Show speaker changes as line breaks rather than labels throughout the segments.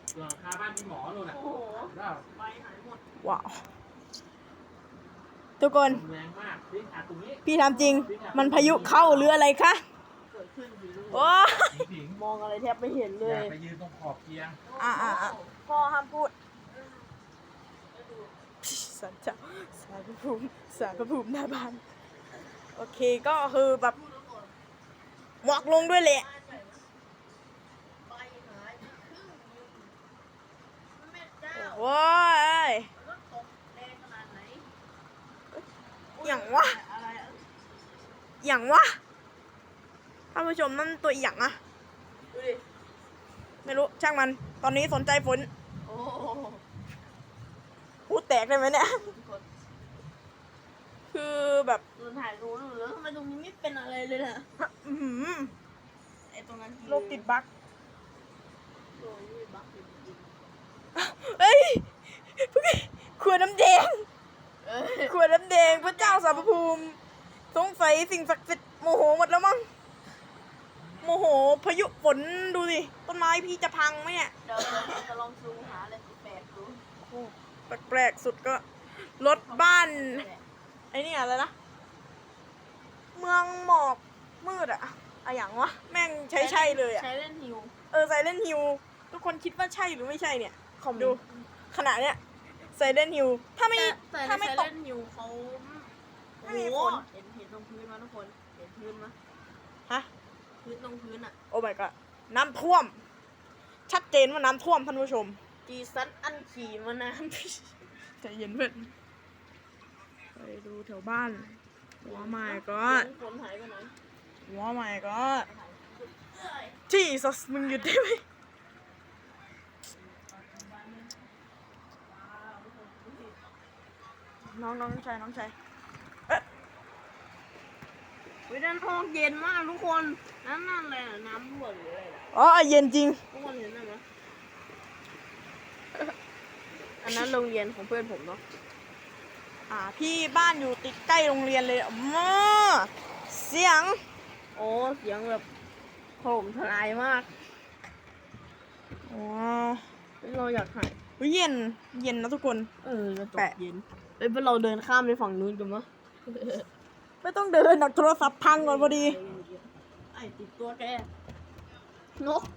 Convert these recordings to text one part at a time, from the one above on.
หลังคาบ้านพี่หมอนู่นน่ะ
โอ้โห
แล้ว
ใบหายหมด
ว้าวทุกคน
แรงมากพี่อัดตรงนี้
พี่ทำจริงมันพายุเข้าหรืออะไรคะ
เกิดขึ้นอยู่ด้วย
โอ้
ผิง
มองอะไรแทบไม่เห็นเล
อย่าย ไปยืนตรงขอบเตียง
พ่อห้ามพูดสารเจ้าสารพระภูมิสารพระภูมิหน้าบ้านโอเคก็คือแบบหมอกลงด้วยแหละ
ใบหายครึ่งนึงแม่เจ้า
โว้ย
รถตกแรงขนาดไหน
อย่างวะ
อะไร
อย่างวะท่านผู้ชมนั่นตัวอย่างอะ
ดูดิ
ไม่รู้ช่างมันตอนนี้สนใจฝน
โอ้
พูดแตกได้ไหมเนี่ย
ทุกคน
คือแบบ
เราถ่ายรู้แล้วทำไมตรงนี้ไม่เป็นอะไรเลยล่ะ
อื้อหือ
ไอ้ตรงนั้น
โรคติดบั๊ก
โอ้ยบักจริง
เฮ้ยขวดน้ำแดง
ๆเอ้ย
ขวดน้ำแดงพระเจ้าสารพระภูมิสงสัยสิ่งศักดิ์สิทธิ์โมโหหมดแล้วมั้งโมโหพายุฝนดูสิต้นไม้พี่จะพังไหมเนี่ย
เดี๋ยวเราจะลองซูมหาอะไรแปลกๆดู
แปลกๆสุดก็รถบ้านไอ้นี่อะไรนะเมืองหมอกมืดอะอย่างวะแม่งใช่เลยอะ
ใช้เล่นฮิว
ไซเลนฮิวทุกคนคิดว่าใช่หรือไม่ใช่เนี่ยดูขนาดเนี้ยไซเลนฮิวถ้าไม่
แต่
ถ้า
ใน
ไม่
ใช้
ตก
เล่นฮิวเขา
ไม่มี
โอ้
ฝ
โห
น
เห็นตรงพื้นมั้ยทุกคนเห็นพื้นมั้ย
ฮะ
พื้นตรงพื้นอ่ะ
โอ้ my god น้ำท่วม ชัดเจนว่าน้ำท่วมท่านผู้ชม
จีซันอันขี่มานาน
ใจเย็นเพื่อนไปดูแถวบ้านหัว my
ก็
god
ฝนหายไปไหน
หัว my god ที่สัสมึงหยุดได้ไหมน้องชายเอ๊ะ
วิด้านห้องเย็นมากทุกคนนั่นอะไรน่ะน้ำรั่วหรืออะไรน่ะ
อ๋อเย็นจริง
ทุกคนเห็นไหมอันนั้นโรงเรียนของเพื่อนผมเนาะ
พี่บ้านอยู่ติดใกล้โรงเรียนเลยเสียง
โอ้เสียงแบบโถมทลายมาก
ว้า
เราอยากถ่าย
วเย็นนะทุกคน
จะตก
แปะ
เย็นเอ้ยเราเดินข้ามไปฝั่งนู้นกันมั้ย
ไม่ต้องเดินหนักโทรศัพท์พังก่อนพอดี
ไอ้ติดตัวแกนก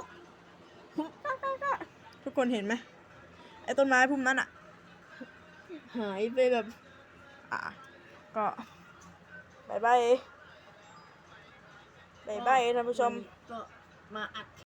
ทุกคนเห็นไหมไอ้ต้นไม้พุ่มนั้น
หายไปแบบ
ก็บายท่านผู้ชม
ก็มาอัด